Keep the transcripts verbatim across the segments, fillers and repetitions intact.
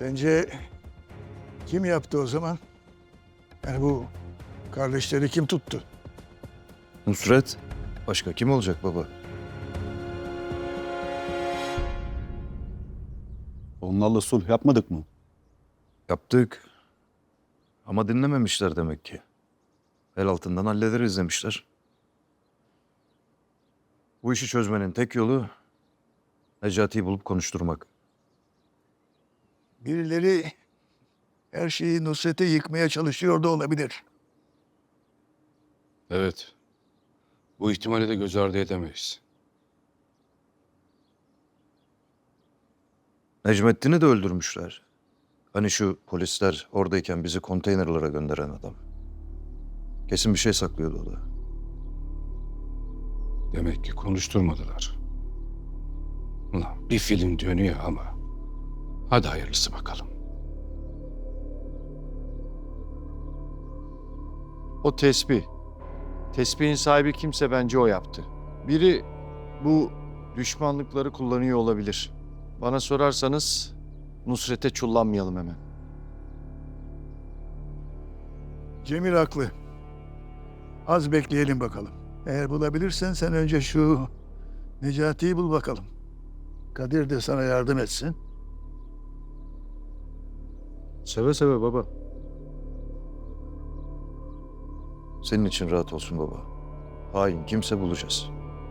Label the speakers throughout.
Speaker 1: Sence kim yaptı o zaman? Yani bu kardeşleri kim tuttu?
Speaker 2: Nusret. Başka kim olacak baba?
Speaker 3: Onlarla sulh yapmadık mı?
Speaker 2: Yaptık. Ama dinlememişler demek ki. El altından hallederiz demişler. Bu işi çözmenin tek yolu Necati'yi bulup konuşturmak.
Speaker 1: Birileri her şeyi Nusret'e yıkmaya çalışıyor da olabilir.
Speaker 4: Evet. Bu ihtimali de göz ardı edemeyiz.
Speaker 2: Necmettin'i de öldürmüşler. Hani şu polisler oradayken bizi konteynerlara gönderen adam. Kesin bir şey saklıyordu o da.
Speaker 4: Demek ki konuşturmadılar. Ulan bir film dönüyor ama. Hadi hayırlısı bakalım.
Speaker 5: O tesbih. Tesbihin sahibi kimse bence o yaptı. Biri bu düşmanlıkları kullanıyor olabilir. Bana sorarsanız Nusret'e çullanmayalım hemen.
Speaker 1: Cemil haklı. Az bekleyelim bakalım. Eğer bulabilirsen sen önce şu Necati'yi bul bakalım. Kadir de sana yardım etsin.
Speaker 5: Seve seve baba.
Speaker 2: Senin için rahat olsun baba. Hain kimse bulacağız.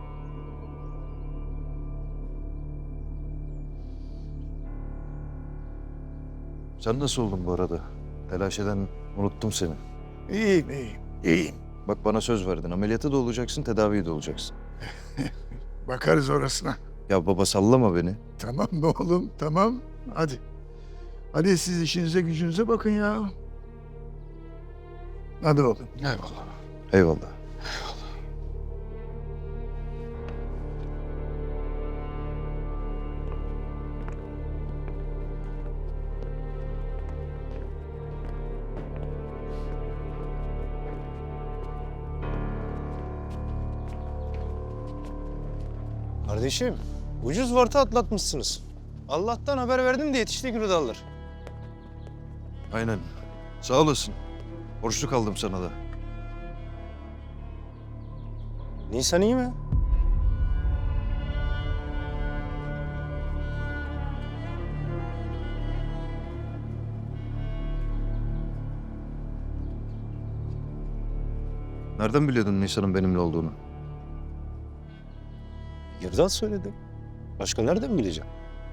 Speaker 2: Sen nasıl oldun bu arada? Telaş eden unuttum seni.
Speaker 1: İyiyim, iyiyim, iyiyim.
Speaker 2: Bak bana söz verdin. Ameliyata da olacaksın, tedaviye de olacaksın.
Speaker 1: Bakarız orasına.
Speaker 2: Ya baba sallama beni.
Speaker 1: Tamam mı oğlum? Tamam. Hadi. Hadi siz işinize gücünüze bakın ya. Hadi oğlum.
Speaker 4: Eyvallah.
Speaker 2: Eyvallah.
Speaker 6: Kardeşim, ucuz varta atlatmışsınız. Allah'tan haber verdim de yetişti Gürdallar.
Speaker 2: Aynen. Sağ olasın. Borçlu kaldım sana da.
Speaker 6: Nisan iyi mi?
Speaker 2: Nereden biliyordun Nisan'ın benimle olduğunu?
Speaker 6: Gürdal söyledi. Başka nereden bileceğim?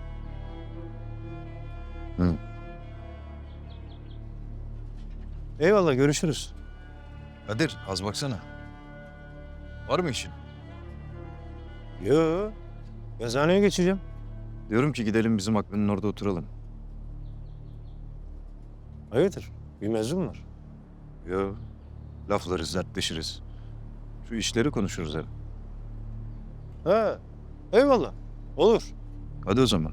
Speaker 2: Hı.
Speaker 6: Eyvallah, görüşürüz.
Speaker 2: Kadir az baksana. Var mı işin?
Speaker 6: Yo, yazıhaneye geçeceğim.
Speaker 2: Diyorum ki gidelim bizim Akben'in orada oturalım.
Speaker 6: Hayırdır, bir mevzum var.
Speaker 2: Yo. Laflarız, dertleşiriz. Şu işleri konuşuruz hep.
Speaker 6: Ha, eyvallah, olur.
Speaker 2: Hadi o zaman.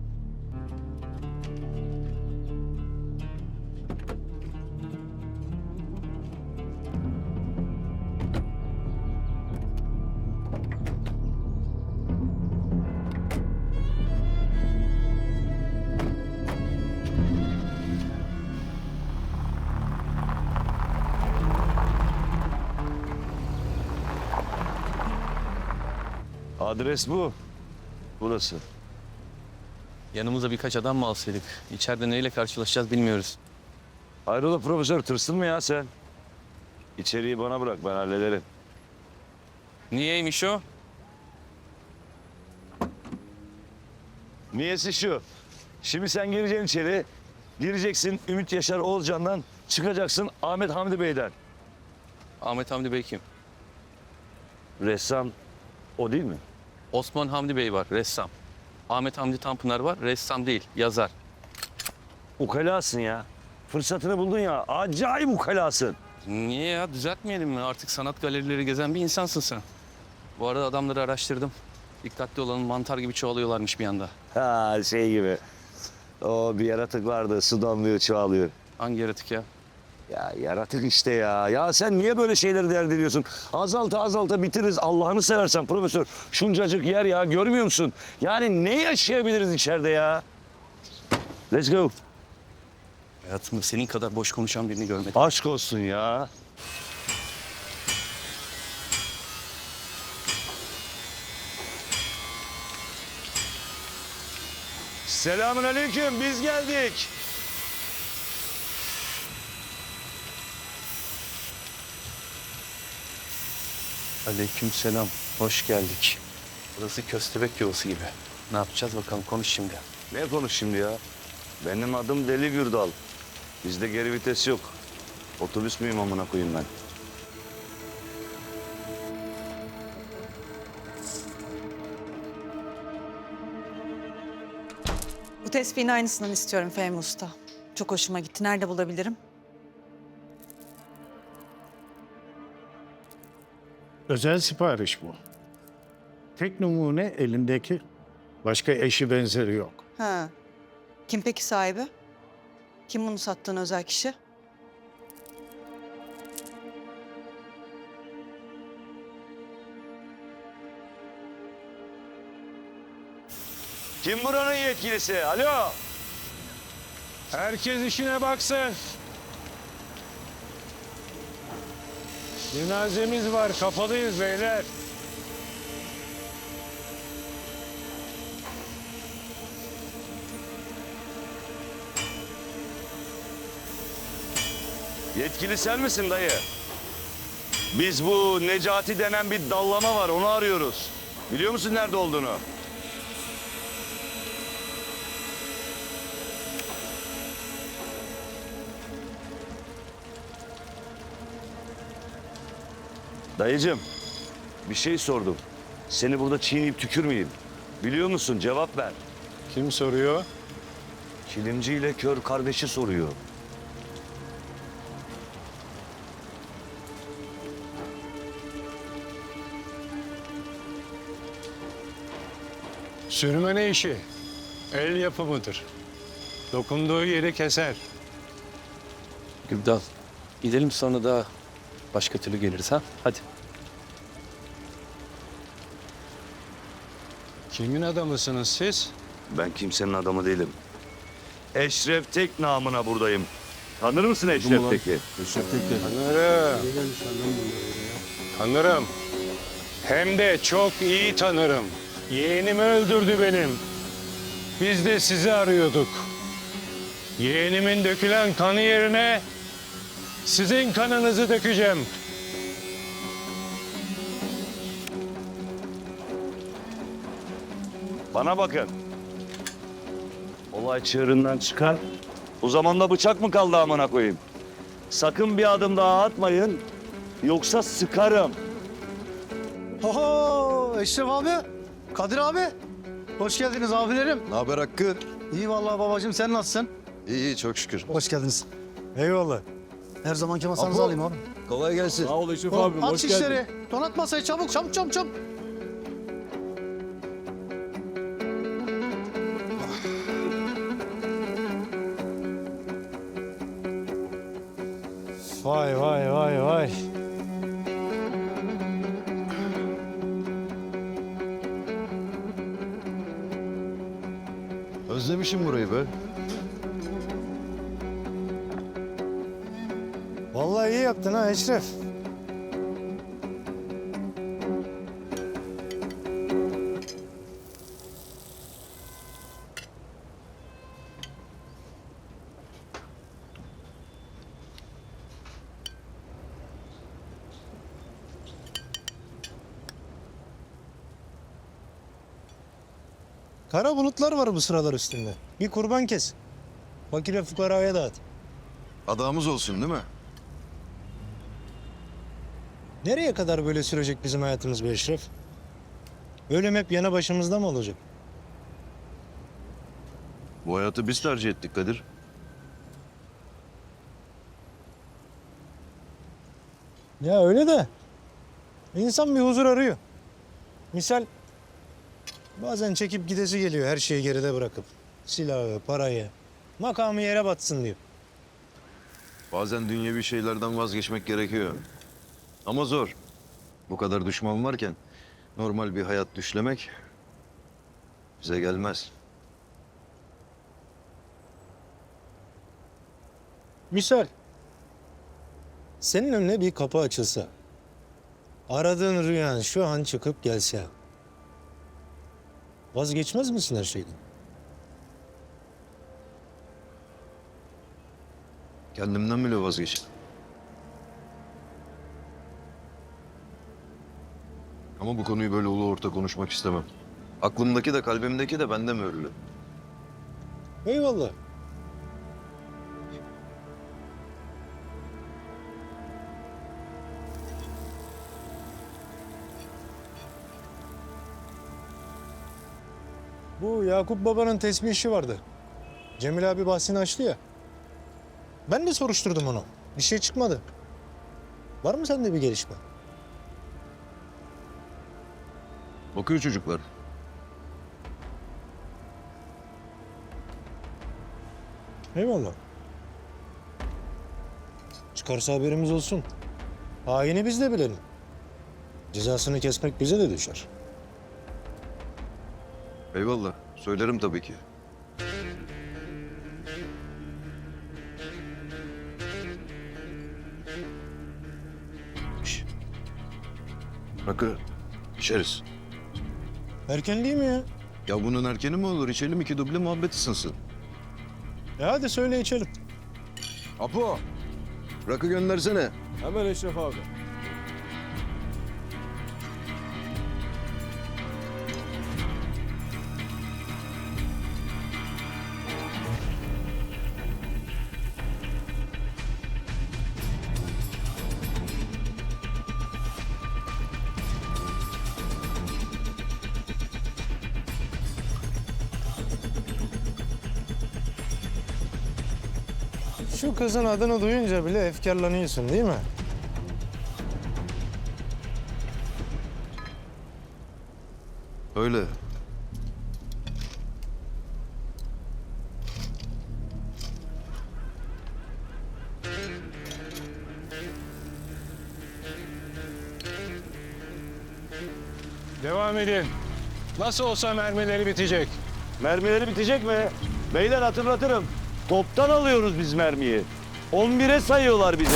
Speaker 7: Adres bu. Burası.
Speaker 8: Yanımıza birkaç adam mı alsaydık? İçeride neyle karşılaşacağız bilmiyoruz.
Speaker 7: Hayrola profesör, tırsın mı ya sen? İçeriği bana bırak, ben hallederim.
Speaker 8: Niyeymiş o?
Speaker 7: Niyesi şu. Şimdi sen gireceksin içeri. Gireceksin Ümit Yaşar Oğulcan'dan. Çıkacaksın Ahmet Hamdi Bey'den.
Speaker 8: Ahmet Hamdi Bey kim?
Speaker 7: Ressam o değil mi?
Speaker 8: Osman Hamdi Bey var, ressam. Ahmet Hamdi Tanpınar var, ressam değil, yazar.
Speaker 7: Ukalasın ya. Fırsatını buldun ya. Acayip ukalasın.
Speaker 8: Niye ya? Düzeltmeyelim mi? Artık sanat galerileri gezen bir insansın sen. Bu arada adamları araştırdım. Dikkatli olanın mantar gibi çoğalıyorlarmış bir anda.
Speaker 7: Ha şey gibi. O bir yaratık vardı. Su damlıyor, çoğalıyor.
Speaker 8: Hangi yaratık ya?
Speaker 7: Ya yaratık işte ya. Ya sen niye böyle şeyleri dert ediyorsun? Azalta azalta bitiririz. Allah'ını seversen profesör. Şuncacık yer ya. Görmüyor musun? Yani ne yaşayabiliriz içeride ya? Let's go.
Speaker 8: Hayatımda senin kadar boş konuşan birini görmedim.
Speaker 7: Aşk olsun ya. Selamun aleyküm, biz geldik.
Speaker 8: Aleykümselam. Hoş geldik. Burası köstebek yuvası gibi. Ne yapacağız bakalım, konuş şimdi.
Speaker 7: Ne konuş şimdi ya? Benim adım Deli Gürdal. Bizde geri vites yok. Otobüs müyüm amına koyayım ben?
Speaker 9: Bu tespihin aynısından istiyorum Fehmi Usta. Çok hoşuma gitti. Nerede bulabilirim?
Speaker 10: Özel sipariş bu. Tek numune elindeki. Başka eşi benzeri yok.
Speaker 9: Ha. Kim peki sahibi? Kim bunu sattığın özel kişi?
Speaker 7: Kim buranın yetkilisi? Alo?
Speaker 10: Herkes işine baksın. Cenazemiz var, kapalıyız beyler.
Speaker 7: Yetkili sen misin dayı? Biz bu Necati denen bir dallama var, onu arıyoruz. Biliyor musun nerede olduğunu? Dayıcım, bir şey sordum. Seni burada çiğneyip tükürmeyeyim. Biliyor musun? Cevap ver.
Speaker 10: Kim soruyor?
Speaker 7: Kilimci ile kör kardeşi soruyor.
Speaker 10: Sürmene işi. El yapımıdır. Dokunduğu yeri keser.
Speaker 8: Gürdal, gidelim sonra da başka türlü geliriz ha. Hadi.
Speaker 10: Kimin adamısınız siz?
Speaker 7: Ben kimsenin adamı değilim. Eşref Tek namına buradayım. Tanır mısın Eşref Tek'i?
Speaker 10: Tanırım. Tanırım. Hem de çok iyi tanırım. Yeğenimi öldürdü benim. Biz de sizi arıyorduk. Yeğenimin dökülen kanı yerine sizin kanınızı dökeceğim.
Speaker 7: Bana bakın. Olay çığırından çıkar. O zaman da bıçak mı kaldı amına koyayım? Sakın bir adım daha atmayın. Yoksa sıkarım.
Speaker 6: Oho Eşref abi, Kadir abi. Hoş geldiniz abilerim.
Speaker 2: Ne haber Hakkı?
Speaker 6: İyi vallahi babacığım, sen nasılsın?
Speaker 2: İyi iyi çok şükür.
Speaker 6: Hoş geldiniz. Eyvallah. Her zamanki masanızı alayım abi.
Speaker 2: Kolay gelsin.
Speaker 10: Sağ ol Eşref
Speaker 6: Oğlum, at şişleri. Donat masayı çabuk çabuk çabuk çabuk. Vay vay vay vay.
Speaker 2: Özlemişim burayı be.
Speaker 6: Vallahi iyi yaptın ha Eşref. Kara bulutlar var bu sıralar üstünde. Bir kurban kes. Fakire fukaraya dağıt.
Speaker 2: Adamız olsun değil mi?
Speaker 6: Nereye kadar böyle sürecek bizim hayatımız be Eşref? Ölüm hep yana başımızda mı olacak?
Speaker 2: Bu hayatı biz tercih ettik Kadir.
Speaker 6: Ya öyle de. İnsan bir huzur arıyor. Misal bazen çekip gidesi geliyor her şeyi geride bırakıp. Silahı, parayı, makamı yere batsın diyor.
Speaker 2: Bazen dünyevi şeylerden vazgeçmek gerekiyor. Ama zor. Bu kadar düşman varken normal bir hayat düşlemek bize gelmez.
Speaker 6: Misal, senin önüne bir kapı açılsa, aradığın rüyan şu an çıkıp gelse, vazgeçmez misin her şeyden?
Speaker 2: Kendimden bile vazgeçtim. Ama bu konuyu böyle ulu orta konuşmak istemem. Aklımdaki de kalbimdeki de bende mühürlü.
Speaker 6: Eyvallah. Bu Yakup Baba'nın tesbih işi vardı. Cemil abi bahsini açtı ya. Ben de soruşturdum onu. Bir şey çıkmadı. Var mı sende bir gelişme?
Speaker 2: Bakıyor çocuklar.
Speaker 6: Eyvallah. Çıkarsa haberimiz olsun. Haini biz de bilelim. Cezasını kesmek bize de düşer.
Speaker 2: Eyvallah. Söylerim tabii ki. Şş. Rakı içeriz.
Speaker 6: Erken değil mi ya?
Speaker 2: Ya bunun erkeni mi olur? İçelim iki duble muhabbet ısınsın.
Speaker 6: E hadi söyle içelim.
Speaker 2: Apo. Rakı göndersene.
Speaker 3: Hemen Eşref abi.
Speaker 6: Şu kızın adını duyunca bile efkarlanıyorsun değil mi?
Speaker 2: Öyle.
Speaker 10: Devam edin. Nasıl olsa mermileri bitecek.
Speaker 7: Mermileri bitecek mi? Beyler hatırlatırım. Toptan alıyoruz biz mermiyi. on bire sayıyorlar bize.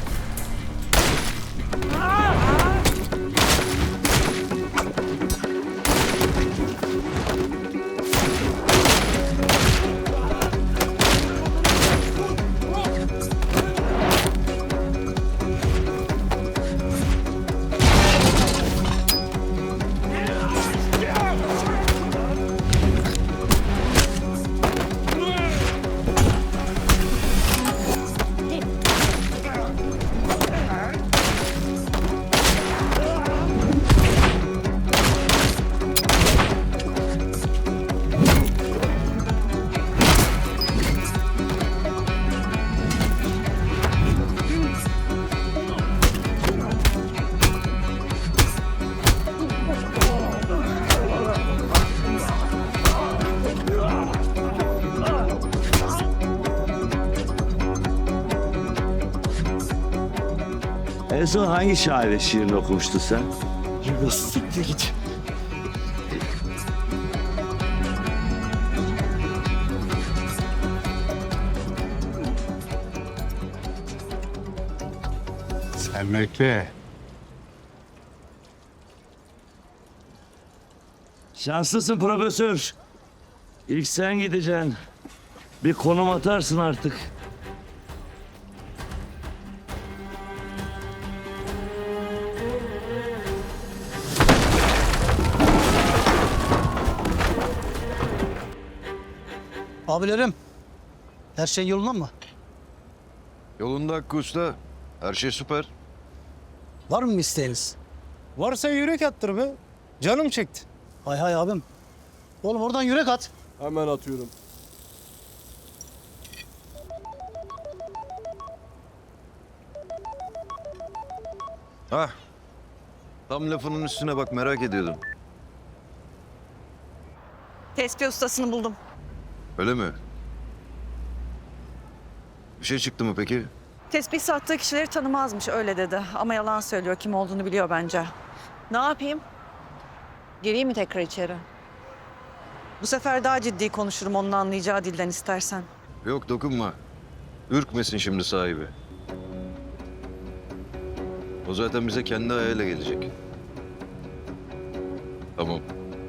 Speaker 7: En son hangi şair şiirini okumuştun sen? Siktir git.
Speaker 10: Sen bekle.
Speaker 7: Şanslısın profesör. İlk sen gideceksin. Bir konum atarsın artık.
Speaker 11: Abilerim, her şey yolunda mı?
Speaker 2: Yolunda Hakkı Usta. Her şey süper.
Speaker 11: Var mı bir isteğiniz?
Speaker 6: Varsa yürek attır be. Canım çekti.
Speaker 11: Hay hay abim. Oğlum oradan yürek at.
Speaker 3: Hemen atıyorum.
Speaker 2: Hah. Tam lafının üstüne bak, merak ediyordum.
Speaker 9: Tespih ustasını buldum.
Speaker 2: Öyle mi? Bir şey çıktı mı peki?
Speaker 9: Tespih sattığı kişileri tanımazmış öyle dedi. Ama yalan söylüyor, kim olduğunu biliyor bence. Ne yapayım? Gireyim mi tekrar içeri? Bu sefer daha ciddi konuşurum onun anlayacağı dilden istersen.
Speaker 2: Yok, dokunma. Ürkmesin şimdi sahibi. O zaten bize kendi ayağıyla gelecek. Tamam.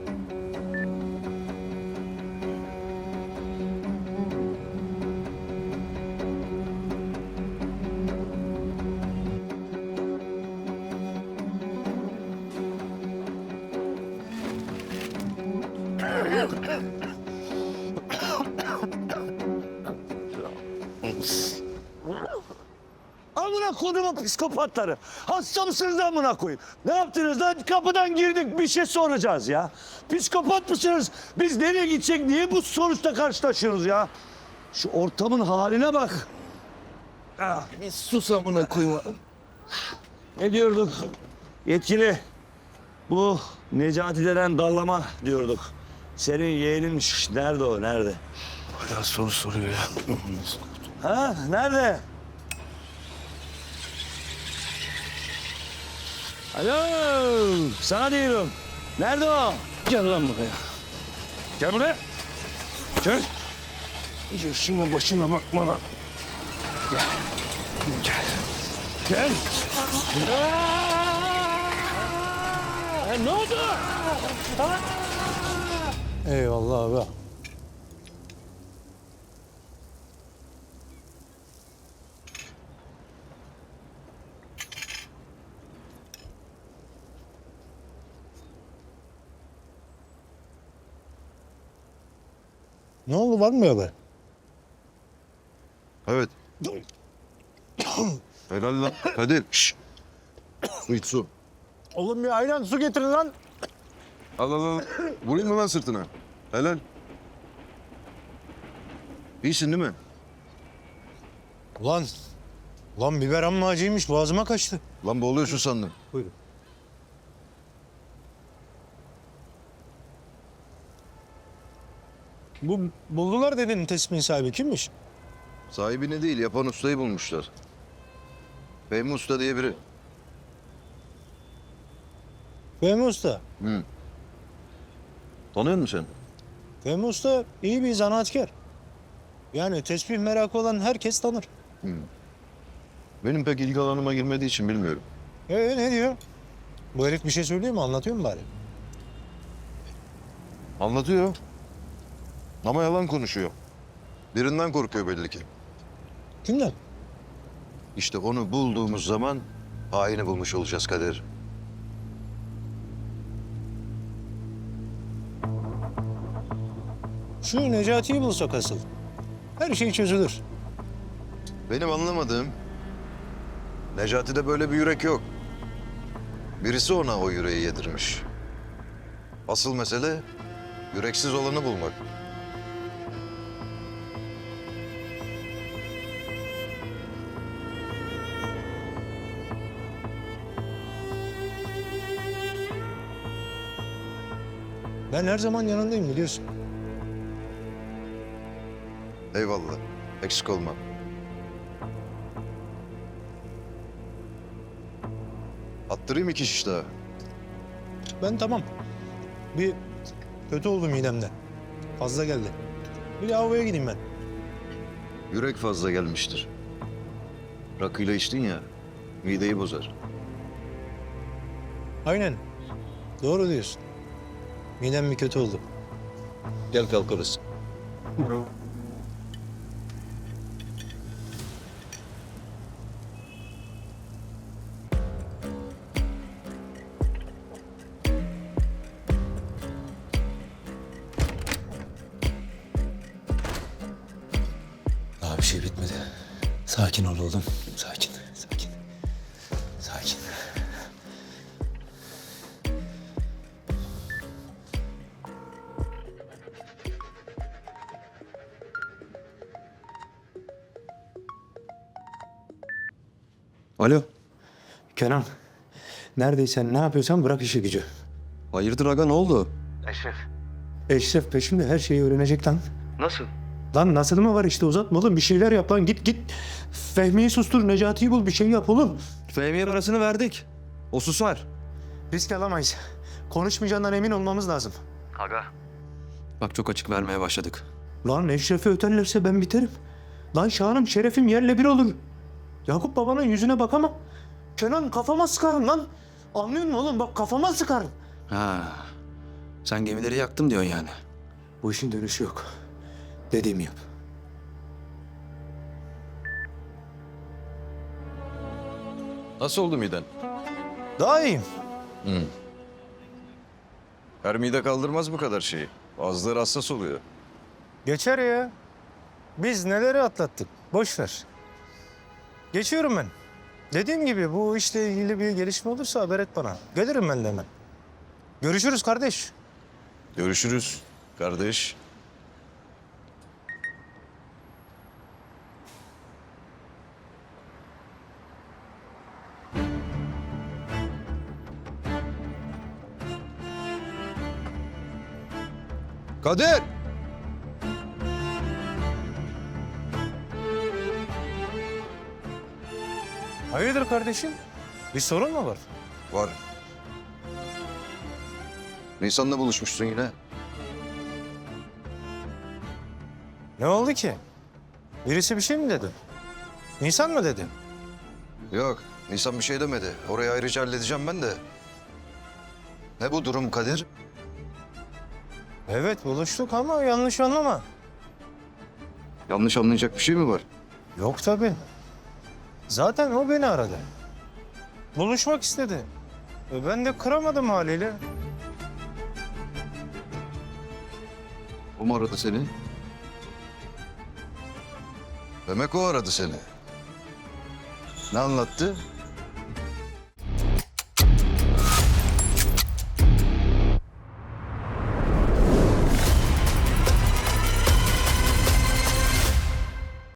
Speaker 7: Amına kodumun psikopatları. Hasta mısınız amına koyayım? Ne yaptınız lan? Kapıdan girdik bir şey soracağız ya. Psikopat mısınız? Biz nereye gidecek? Niye bu sonuçta karşılaşıyoruz ya? Şu ortamın haline bak. Ah, bir sus amına koyayım. Ne diyorduk? Yetkili. Bu Necati denen dallama diyorduk. Senin yeğeninmiş. Nerede o? Nerede?
Speaker 2: Hala soru soruyor ya.
Speaker 7: Ha? Nerede? Alo, sana diyorum. Nerede o? Gel lan buraya. Gel buraya. Gel. Yaşına başına bakma lan. Gel. Gel. Gel. Aa, ne oldu?
Speaker 6: Eyvallah abi. Ne oldu, var mı bir haber?
Speaker 2: Evet. Helal lan. Kadir. Şşş. Su iç su.
Speaker 6: Oğlum bir ayran su getirin lan.
Speaker 2: Al al al. Vurayım mı lan sırtına? Helal. İyisin değil mi?
Speaker 6: Ulan, ulan biber amma acıymış, boğazıma kaçtı.
Speaker 2: Lan boğuluyorsun sandım.
Speaker 6: Buyurun. Bu buldular dedin tespihin sahibi kimmiş?
Speaker 2: Sahibini değil, yapan ustayı bulmuşlar. Fehmi Usta diye biri.
Speaker 6: Fehmi Usta.
Speaker 2: Hı. Tanıyor musun sen?
Speaker 6: Fehmi Usta iyi bir zanaatkar. Yani tesbih merakı olan herkes tanır.
Speaker 2: Benim pek ilgi alanıma girmediği için bilmiyorum.
Speaker 6: Ee ne diyor? Bu herif bir şey söylüyor mu? Anlatıyor mu bari?
Speaker 2: Anlatıyor. Ama yalan konuşuyor. Birinden korkuyor belli ki.
Speaker 6: Kimden?
Speaker 2: İşte onu bulduğumuz zaman haini bulmuş olacağız Kadir.
Speaker 6: Şu Necati'yi bulsak asıl. Her şey çözülür.
Speaker 2: Benim anlamadığım, Necati'de böyle bir yürek yok. Birisi ona o yüreği yedirmiş. Asıl mesele yüreksiz olanı bulmak.
Speaker 6: Ben her zaman yanındayım biliyorsun.
Speaker 2: Eyvallah, eksik olma. Attırayım iki şiş daha.
Speaker 6: Ben tamam. Bir kötü oldu midemde. Fazla geldi. Bir lavaboya gideyim ben.
Speaker 2: Yürek fazla gelmiştir. Rakıyla içtin ya, mideyi bozar.
Speaker 6: Aynen. Doğru diyorsun. Midem bir kötü oldu.
Speaker 2: Gel kalkarız.
Speaker 12: Daha bir şey bitmedi. Sakin ol oğlum. Sakin, sakin. Sakin.
Speaker 2: Alo.
Speaker 12: Kenan, neredeysen ne yapıyorsan bırak işi gücü.
Speaker 2: Hayırdır aga, ne oldu?
Speaker 12: Eşref peşimde, her şeyi öğrenecek lan.
Speaker 2: Nasıl?
Speaker 12: Lan nasıl mı var işte, uzatma oğlum, bir şeyler yap lan, git git. Fehmi'yi sustur, Necati'yi bul, bir şey yap oğlum.
Speaker 2: Fehmi'ye parasını verdik. O susar.
Speaker 12: Risk alamayız. Konuşmayacağından emin olmamız lazım.
Speaker 2: Bak çok açık vermeye başladık.
Speaker 12: Lan Eşref'i öterlerse ben biterim. Lan şanım şerefim yerle bir olur. Yakup babanın yüzüne bakamam. Kenan kafama sıkarım lan. Anlıyor musun oğlum? Bak kafama sıkarım.
Speaker 2: Ha. Sen gemileri yaktım diyorsun yani.
Speaker 12: Bu işin dönüşü yok. Dediğimi yap.
Speaker 2: Nasıl oldu miden?
Speaker 6: Daha iyiyim.
Speaker 2: Her mide kaldırmaz bu kadar şeyi. Bazıları hassas oluyor.
Speaker 6: Geçer ya. Biz neleri atlattık. Boş ver. Geçiyorum ben. Dediğim gibi bu işle ilgili bir gelişme olursa haber et bana. Gelirim ben de hemen. Görüşürüz kardeş.
Speaker 2: Görüşürüz kardeş. Kadir!
Speaker 6: Hayırdır kardeşim? Bir sorun mu var?
Speaker 2: Var. Nisan'la buluşmuşsun yine.
Speaker 6: Ne oldu ki? Birisi bir şey mi dedi? Nisan mı dedi?
Speaker 2: Yok, Nisan bir şey demedi. Orayı ayrıca halledeceğim ben de. Ne bu durum Kadir?
Speaker 6: Evet buluştuk ama yanlış anlama.
Speaker 2: Yanlış anlayacak bir şey mi var?
Speaker 6: Yok tabii. Zaten o beni aradı. Buluşmak istedi. E ben de kıramadım haliyle.
Speaker 2: O mu aradı seni? Demek o aradı seni. Ne anlattı?